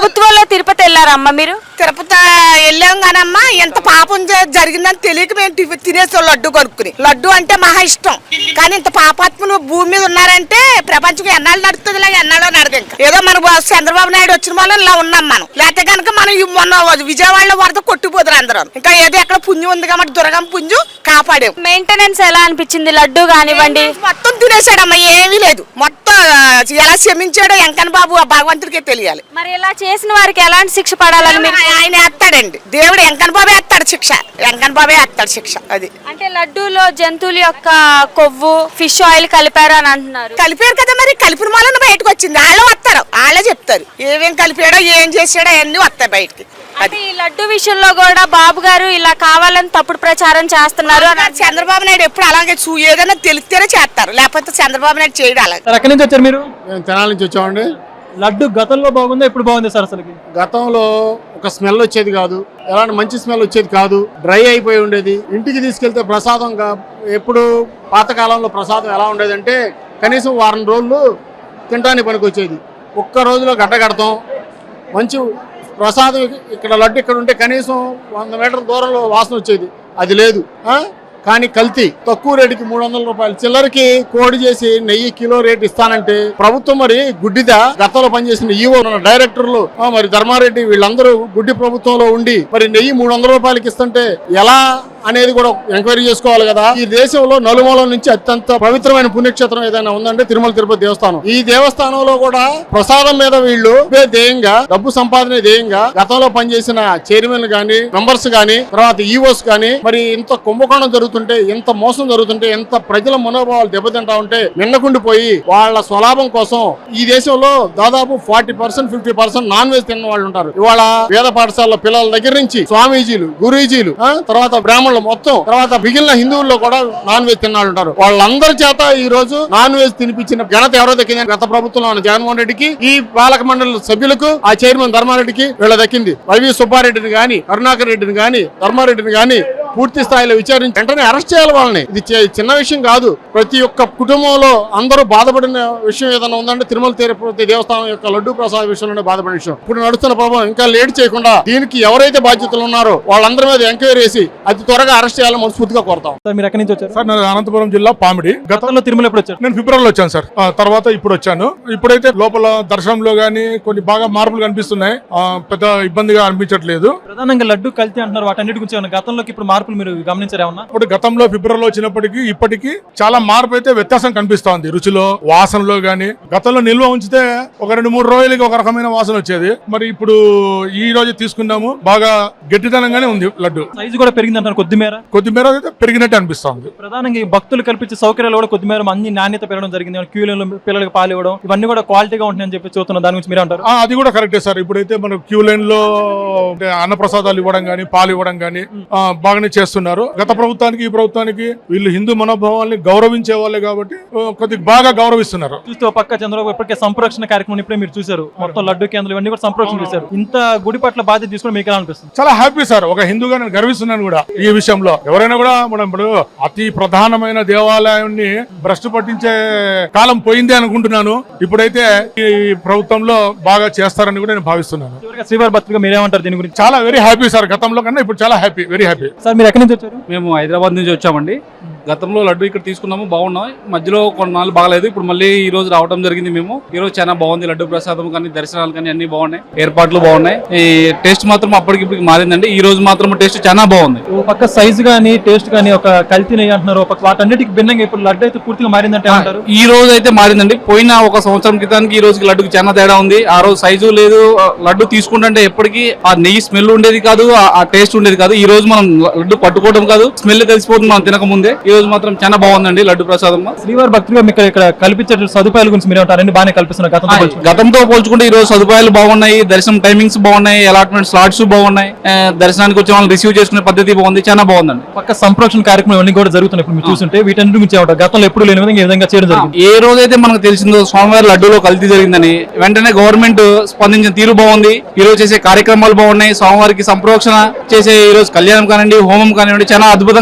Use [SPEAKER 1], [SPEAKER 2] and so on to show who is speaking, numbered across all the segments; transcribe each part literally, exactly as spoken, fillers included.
[SPEAKER 1] ప్రభుత్వంలో తిరుపతి వెళ్ళారమ్మా మీరు?
[SPEAKER 2] తిరుపతి వెళ్ళాం కానమ్మా ఎంత పాపం జరిగిందని తెలియక మేము తినేసాం లడ్డు కొనుక్కుని. లడ్డు అంటే మహా ఇష్టం, కానీ ఇంత పాపాత్మలు భూమి మీద ఉన్నారంటే ప్రపంచం ఎన్నాళ్ళు నడుస్తుంది, ఇలా ఎన్నాళ్ళో నడదు. ఇంకా ఏదో మన చంద్రబాబు నాయుడు వచ్చిన వల్ల ఇలా ఉన్నాం మనం. లేకపోతే కనుక మనం మొన్న విజయవాడలో వరద కొట్టుకుపోతారు అందరూ. ఇంకా ఏదో ఎక్కడ పుణ్యం ఉంది కాబట్టి దుర్గం పుంజు కాపాడే.
[SPEAKER 1] మెయింటెనెన్స్ ఎలా అనిపించింది? లడ్డు కానివ్వండి
[SPEAKER 2] మొత్తం తినేసాడమ్మా, ఏమీ లేదు. మొత్తం ఎలా క్షమించాడో వెంకన్న బాబు ఆ భగవంతుడికే తెలియాలి.
[SPEAKER 1] మరి ఇలా చేసిన వారికి ఎలాంటి శిక్ష పడాలని మీరు?
[SPEAKER 2] ఆయన వేస్తాడండి, దేవుడు వెంకన్న బాబే వేస్తాడు శిక్ష, వెంకన్న బాబే వేస్తాడు శిక్ష. అది
[SPEAKER 1] అంటే లడ్డూలో జంతువుల యొక్క కొవ్వు, ఫిష్ ఆయిల్ కలిపారు అని అంటున్నారు.
[SPEAKER 2] కలిపారు కదా, మరి కలిపిన వలన బయటకు వచ్చింది. వాళ్ళే వస్తారు, వాళ్ళే చెప్తారు ఏమేం కలిపాడో ఏం చేసాడో అవన్నీ వస్తాయి బయటకి.
[SPEAKER 1] అది ఈ లడ్డు విషయంలో కూడా బాబు గారు ఇలా కావాలని తప్పుడు ప్రచారం చేస్తున్నారు.
[SPEAKER 2] చంద్రబాబు నాయుడు ఎప్పుడు అలాగే చూ ఏదైనా తెలిస్తేనే చేస్తారు, లేకపోతే చంద్రబాబు నాయుడు చేయడం అలాగే.
[SPEAKER 3] ఎక్కడి నుంచి వచ్చారు మీరు?
[SPEAKER 4] మేము తెనాలి నుంచి వచ్చామండి.
[SPEAKER 3] లడ్డు గతంలో బాగుందా, ఇప్పుడు బాగుంది సార్? అసలు
[SPEAKER 4] గతంలో ఒక స్మెల్ వచ్చేది కాదు, ఎలాంటి మంచి స్మెల్ వచ్చేది కాదు, డ్రై అయిపోయి ఉండేది. ఇంటికి తీసుకెళ్తే ప్రసాదంగా ఎప్పుడు పాతకాలంలో ప్రసాదం ఎలా ఉండేదంటే కనీసం వారం రోజులు తినడానికి పనికి వచ్చేది. ఒక్క రోజులో గడ్డ కడతాం. మంచి ప్రసాదం ఇక్కడ లడ్డు ఇక్కడ ఉంటే కనీసం వంద మీటర్ల దూరంలో వాసన వచ్చేది, అది లేదు. కానీ కల్తీ తక్కువ రేటుకి మూడు వందల రూపాయలు చిల్లరకి కోడి చేసి నెయ్యి కిలో రేటు ఇస్తానంటే ప్రభుత్వం మరి గుడ్డిదా? గతంలో పనిచేసిన ఈవో డైరెక్టర్లు మరి ధర్మారెడ్డి వీళ్ళందరూ గుడ్డి ప్రభుత్వంలో ఉండి మరి నెయ్యి మూడు వందల రూపాయలకి ఇస్తుంటే ఎలా అనేది కూడా ఎంక్వైరీ చేసుకోవాలి కదా. ఈ దేశంలో నలుమూలల నుంచి అత్యంత పవిత్రమైన పుణ్యక్షేత్రం ఏదైనా ఉందంటే తిరుమల తిరుపతి దేవస్థానం. ఈ దేవస్థానంలో కూడా ప్రసాదం మీద వీళ్ళు ధ్యేయంగా, డబ్బు సంపాదన ధ్యేయంగా గతంలో పనిచేసిన చైర్మన్ గానీ, మెంబర్స్ గానీ, తర్వాత ఈవోస్ గానీ మరి ఇంత కుంభకోణం జరుగుతుంటే, ఇంత మోసం జరుగుతుంటే, ఎంత ప్రజల మనోభావాలు దెబ్బతింటా ఉంటే మిన్నకుండిపోయి వాళ్ళ స్వలాభం కోసం ఈ దేశంలో దాదాపు forty percent fifty percent non veg తిన్న వాళ్ళు ఉంటారు. ఇవాళ వేద పాఠశాల పిల్లల దగ్గర నుంచి స్వామీజీలు, గురూజీలు, తర్వాత బ్రాహ్మణులు మొత్తం, తర్వాత మిగిలిన హిందువుల్లో కూడా నాన్ వెజ్ తిన్నాళ్ళు ఉంటారు. వాళ్ళందరి చేత ఈ రోజు నాన్ వెజ్ తినిపించిన ఘనత ఎవరో దక్కింది? గత ప్రభుత్వంలో ఉన్న జగన్మోహన్ రెడ్డికి, ఈ పాలక మండలి సభ్యులకు, ఆ చైర్మన్ ధర్మారెడ్డికి వీళ్ళ దక్కింది. వైవి సుబ్బారెడ్డిని గాని, కరుణాకర్ రెడ్డిని గాని, ధర్మారెడ్డిని గాని పూర్తి స్థాయిలో విచారించి వెంటనే అరెస్ట్ చేయాలి వాళ్ళని. ఇది చిన్న విషయం కాదు. ప్రతి ఒక్క కుటుంబంలో అందరూ బాధపడిన విషయం ఏదైనా ఉందంటే తిరుమల తిరుపతి దేవస్థానం యొక్క లడ్డు ప్రసాద విషయంలోనే బాధపడిన విషయం. ఇప్పుడు నడుస్తున్న ప్రభావం ఇంకా లేట్ చేయకుండా దీనికి ఎవరైతే బాధ్యతలు ఉన్నారో వాళ్ళందరి మీద ఎంక్వైరీ చేసి అతి త్వరగా అరెస్ట్ చేయాలని మనస్ఫూర్తిగా కోరుతాం.
[SPEAKER 3] మీరు ఎక్కడి నుంచి వచ్చారు?
[SPEAKER 5] సార్ నేను అనంతపురం జిల్లా పామిడి.
[SPEAKER 3] గతంలో తిరుమల ఎప్పుడు వచ్చారు?
[SPEAKER 5] నేను ఫిబ్రవరిలో వచ్చాను సార్, తర్వాత ఇప్పుడు వచ్చాను. ఇప్పుడైతే లోపల దర్శనంలో గానీ కొన్ని బాగా మార్పులు కనిపిస్తున్నాయి, పెద్ద ఇబ్బందిగా అనిపించట్లేదు.
[SPEAKER 3] ప్రధానంగా లడ్డు కల్తీ అంటున్నారు, వాటన్నిటి గురించి గతంలోకి ఇప్పుడు మార్పులు మీరు గమనించారు ఏమన్నా?
[SPEAKER 5] ఇప్పుడు గతంలో ఫిబ్రవరిలో వచ్చినప్పటికీ ఇప్పటికీ చాలా మార్పు అయితే వ్యత్యాసం కనిపిస్తోంది, రుచిలో, వాసనలో గానీ. గతంలో నిల్వ ఉంచితే ఒక రెండు మూడు రోజులకి ఒక రకమైన వాసన వచ్చేది, మరి ఇప్పుడు ఈ రోజు తీసుకున్నాము బాగా గట్టిదనంగానే ఉంది లడ్డు.
[SPEAKER 3] సైజు కూడా పెరిగింది అంటారు, కొద్దిమేర
[SPEAKER 5] కొద్దిమేర అయితే పెరిగినట్టు అనిపిస్తుంది.
[SPEAKER 3] ప్రధానంగా ఈ భక్తులు కల్పించే సౌకర్యాలు కూడా కొద్దిమేర అన్ని నాణ్యత పెరగడం జరిగింది. క్యూలైన్లో పిల్లలకు పాలు ఇవ్వడం ఇవన్నీ కూడా క్వాలిటీగా ఉంటుందని చెప్పి చూస్తున్నాం. దాని గురించి మీరు అంటారు?
[SPEAKER 5] అది కూడా కరెక్టే సార్. ఇప్పుడైతే మన క్యూ లైన్ లో అన్నప్రసాదాలు ఇవ్వడం గానీ, పాలు ఇవ్వడం గానీ బాగానే చేస్తున్నారు. గత ప్రభుత్వానికి ఈ ప్రభుత్వానికి వీళ్ళు హిందూ మనోభావాల్ని గౌరవించే వాళ్ళే కాబట్టి కొద్దిగా బాగా గౌరవిస్తున్నారు.
[SPEAKER 3] చూస్తే పక్క చంద్రబాబు ఇప్పటికే సంరక్షణ కార్యక్రమం ఇప్పుడే మీరు చూసారు, మొత్తం లడ్డు కేంద్రం ఇవన్నీ కూడా సంరక్షణ చేశారు. ఇంత గుడి పట్ల బాధ్యత తీసుకుని మీకు ఎలా అనిపిస్తుంది?
[SPEAKER 5] చాలా హ్యాపీ సార్. ఒక హిందూగా నేను గర్విస్తున్నాను కూడా ఈ విషయంలో. ఎవరైనా కూడా మనం ఇప్పుడు అతి ప్రధానమైన దేవాలయాన్ని భ్రష్టు పట్టించే కాలం పోయింది అనుకుంటున్నాను. ఇప్పుడైతే ఈ ప్రభుత్వంలో బాగా చేస్తారని కూడా నేను భావిస్తున్నాను.
[SPEAKER 3] శ్రీవారి భక్తులుగా మీరేమంటారు దీని గురించి?
[SPEAKER 5] చాలా వెరీ హ్యాపీ సార్. గతంలో కన్నా ఇప్పుడు చాలా హ్యాపీ, వెరీ హ్యాపీ.
[SPEAKER 3] సార్ మీరు ఎక్కడి నుంచి వచ్చారు?
[SPEAKER 6] మేము హైదరాబాద్ నుంచి వచ్చామండి. గతంలో లడ్డు ఇక్కడ తీసుకున్నాము, బాగున్నాం. మధ్యలో కొన్నాళ్ళు బాగలేదు, ఇప్పుడు మళ్ళీ ఈ రోజు రావడం జరిగింది. మేము ఈ రోజు చాలా బాగుంది. లడ్డు ప్రసాదం కానీ, దర్శనాలు కానీ అన్ని బాగున్నాయి, ఏర్పాట్లు బాగున్నాయి. ఈ టేస్ట్ మాత్రం అప్పటికిప్పటికి మారిందండి. ఈ రోజు మాత్రం టేస్ట్ చాలా బాగుంది.
[SPEAKER 3] పక్క సైజ్ గానీ, టేస్ట్ గానీ ఒక కల్తీ నెయ్యి అంటున్నారు, వాటన్నిటికి భిన్నంగా ఇప్పుడు లడ్డు అయితే పూర్తిగా మారిందంటే అంటారు.
[SPEAKER 6] ఈ రోజు అయితే మారిందండి. పోయిన ఒక సంవత్సరం క్రితానికి ఈ రోజుకి లడ్డుకి చాలా తేడా ఉంది. ఆ రోజు సైజు లేదు, లడ్డు తీసుకుంటే ఎప్పటికీ ఆ నెయ్యి స్మెల్ ఉండేది కాదు, ఆ టేస్ట్ ఉండేది కాదు. ఈ రోజు మనం లడ్డు పట్టుకోవడం కాదు, స్మెల్ తెలిసిపోతుంది మనం తినక ముందే. ఈ రోజు మాత్రం చాలా బాగుందండి లడ్డు ప్రసాదం.
[SPEAKER 3] శ్రీవారి భక్తులుగా మీకు ఇక్కడ కల్పించే సదుపాయాల గురించి మీరు అన్ని బాగానే కల్పిస్తున్నారు.
[SPEAKER 6] గతంతో పోల్చుకుంటే ఈ రోజు సదుపాయాలు బాగున్నాయి, దర్శనం టైమింగ్స్ బాగున్నాయి, అలాట్మెంట్ స్లాట్స్ బాగున్నాయి, దర్శనానికి వచ్చే వాళ్ళని రిసీవ్ చేసుకునే పద్ధతి బాగుంది, చాలా బాగుందండి.
[SPEAKER 3] పక్క సంరక్షణ కార్యక్రమం అన్ని కూడా జరుగుతున్నాయి. ఇప్పుడు మీరు చూస్తుంటే వీటన్నిటి గురించి ఏమంటారు? గతంలో ఎప్పుడు లేని విధంగా ఈ విధంగా చేయడం జరిగింది.
[SPEAKER 6] ఏ రోజైతే మనకు తెలిసిందో స్వామివారి లడ్డూలో కల్తీ జరిగిందని వెంటనే గవర్నమెంట్ స్పందించిన తీరు బాగుంది. ఈ రోజు చేసే కార్యక్రమాలు బాగున్నాయి. స్వామివారికి సంప్రోక్షణ చేసే ఈ రోజు కళ్యాణం కానివ్వండి, హోమం కానివ్వండి చాలా అద్భుతంగా చేస్తుంది.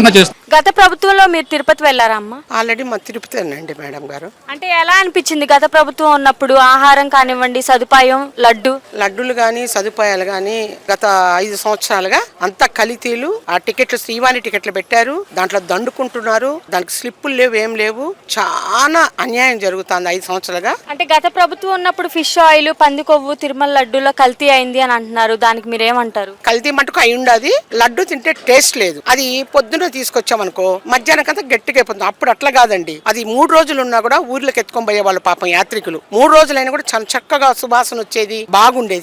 [SPEAKER 1] గత ప్రభుత్వంలో మీరు తిరుపతి వెళ్ళారా అమ్మ?
[SPEAKER 2] ఆల్రెడీ మా తిరుపతి అండి మేడం గారు.
[SPEAKER 1] అంటే ఎలా అనిపించింది గత ప్రభుత్వం ఉన్నప్పుడు? ఆహారం కానివ్వండి, సదుపాయం, లడ్డు
[SPEAKER 2] లడ్డూలు గాని సదుపాయాలు గాని గత ఐదు సంవత్సరాలుగా అంతా కలితీలు. ఆ టికెట్లు శ్రీవాణి టికెట్లు పెట్టారు, దాంట్లో దండుకుంటున్నారు, దానికి స్లిప్పులు లేవు, ఏం లేవు. చాలా అన్యాయం జరుగుతుంది ఐదు సంవత్సరాలుగా.
[SPEAKER 1] అంటే గత ప్రభుత్వం ఉన్నప్పుడు ఫిష్ ఆయిల్, పంది కొవ్వు తిరుమల లడ్డూలో కల్తీ అయింది అని అంటున్నారు. దానికి మీరేమంటారు?
[SPEAKER 2] కల్తీ మటుకు అయి ఉండదు. లడ్డు తింటే టేస్ట్ లేదు. అది పొద్దున తీసుకొచ్చామనుకో మధ్యాహ్నం కంతా గట్టిగా అయిపోతుంది. అప్పుడు అట్లా కాదండి, అది మూడు రోజులు ఉన్నా కూడా ఊర్లోకి ఎత్తుకొని పోయే వాళ్ళు పాపం యాత్రికులు. మూడు రోజులైనా కూడా చాలా చక్కగా సువాసన వచ్చేది, బాగుండేది.